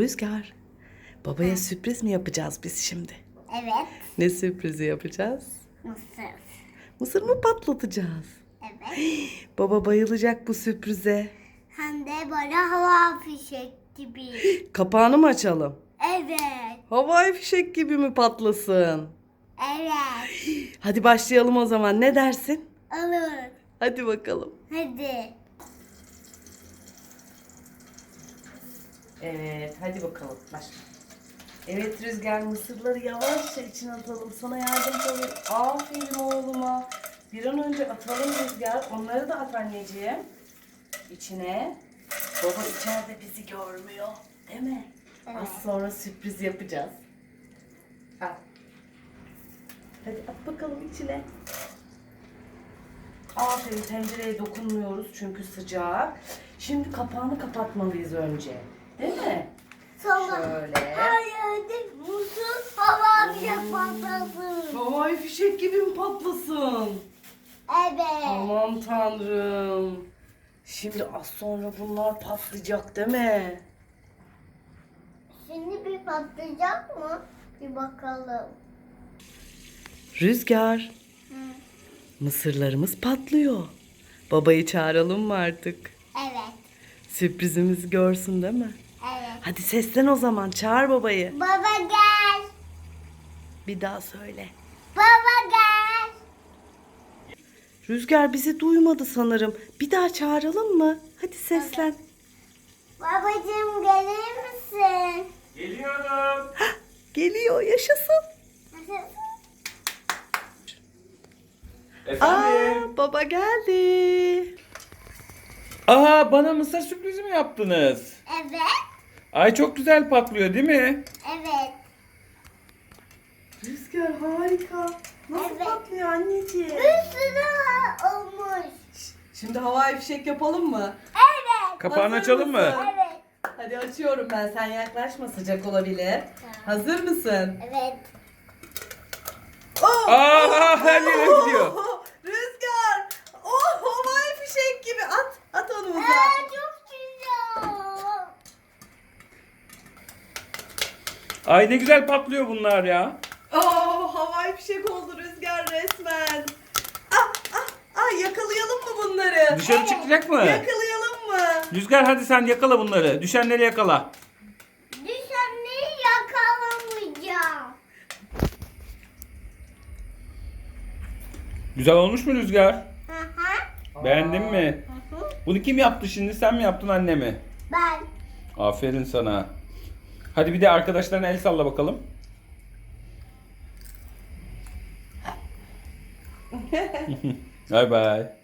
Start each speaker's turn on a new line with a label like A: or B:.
A: Rüzgar, babaya sürpriz mi yapacağız biz şimdi?
B: Evet.
A: Ne sürprizi yapacağız?
B: Mısır.
A: Mısır mı patlatacağız?
B: Evet.
A: Baba bayılacak bu sürprize.
B: Hem de böyle hava fişek gibi.
A: Kapağını mı açalım?
B: Evet.
A: Havai fişek gibi mi patlasın?
B: Evet.
A: Hadi başlayalım o zaman. Ne dersin?
B: Olur.
A: Hadi bakalım.
B: Hadi.
A: Evet, hadi bakalım. Başla. Evet Rüzgar, mısırları yavaşça içine atalım. Sana yardımcı olayım. Aferin oğluma. Bir an önce atalım Rüzgar. Onları da at anneciğim. İçine. Baba içeride bizi görmüyor. Değil mi?
B: Evet.
A: Az sonra sürpriz yapacağız. Al. Hadi at bakalım içine. Aferin, tencereye dokunmuyoruz çünkü sıcak. Şimdi kapağını kapatmalıyız önce. Değil mi?
B: Sonra
A: Şöyle.
B: hayır mısır hava fişek patlasın.
A: Havai fişek gibi mi patlasın?
B: Evet.
A: Aman tanrım. Şimdi az sonra bunlar patlayacak değil mi?
B: Şimdi bir patlayacak mı? Bir bakalım.
A: Rüzgar, mısırlarımız patlıyor. Babayı çağıralım mı artık?
B: Evet.
A: Sürprizimizi görsün değil mi?
B: Evet.
A: Hadi seslen o zaman, çağır babayı.
B: Baba gel.
A: Bir daha söyle.
B: Baba gel.
A: Rüzgar bizi duymadı sanırım. Bir daha çağıralım mı? Hadi seslen.
B: Babacığım gelir misin?
C: Geliyorum.
A: Geliyor, yaşasın.
C: Efendim.
A: Baba geldi.
C: Aa, bana mısır sürprizi mi yaptınız?
B: Evet.
C: Ay çok güzel patlıyor değil mi?
B: Evet.
A: Rüzgar harika. Nasıl
B: Evet.
A: patlıyor anneciğim?
B: Bir sürü olmuş.
A: Şimdi havai fişek yapalım mı?
B: Evet.
C: Kapağını
A: Hazır
C: açalım mı?
A: mısın?
B: Evet.
A: Hadi açıyorum ben. Sen yaklaşma, sıcak olabilir. Hazır mısın?
B: Evet.
A: Oh!
C: Aa, her yere gidiyor.
A: Rüzgar! Oh, havai fişek gibi. At onu uzağa.
B: Çok güzel.
C: Ay ne güzel patlıyor bunlar ya.
A: Oh, havai fişek oldu Rüzgar resmen. Yakalayalım mı bunları?
C: Dışarı çıkacak mı?
A: Yakalayalım mı?
C: Rüzgar hadi sen yakala bunları. Düşenleri yakala.
B: Düşenleri yakalamayacağım.
C: Güzel olmuş mu Rüzgar?
B: Hı hı.
C: Beğendin mi?
B: Hı hı.
C: Bunu kim yaptı şimdi? Sen mi yaptın anne mi?
B: Ben.
C: Aferin sana. Hadi bir de arkadaşlarına el salla bakalım. Bay bay.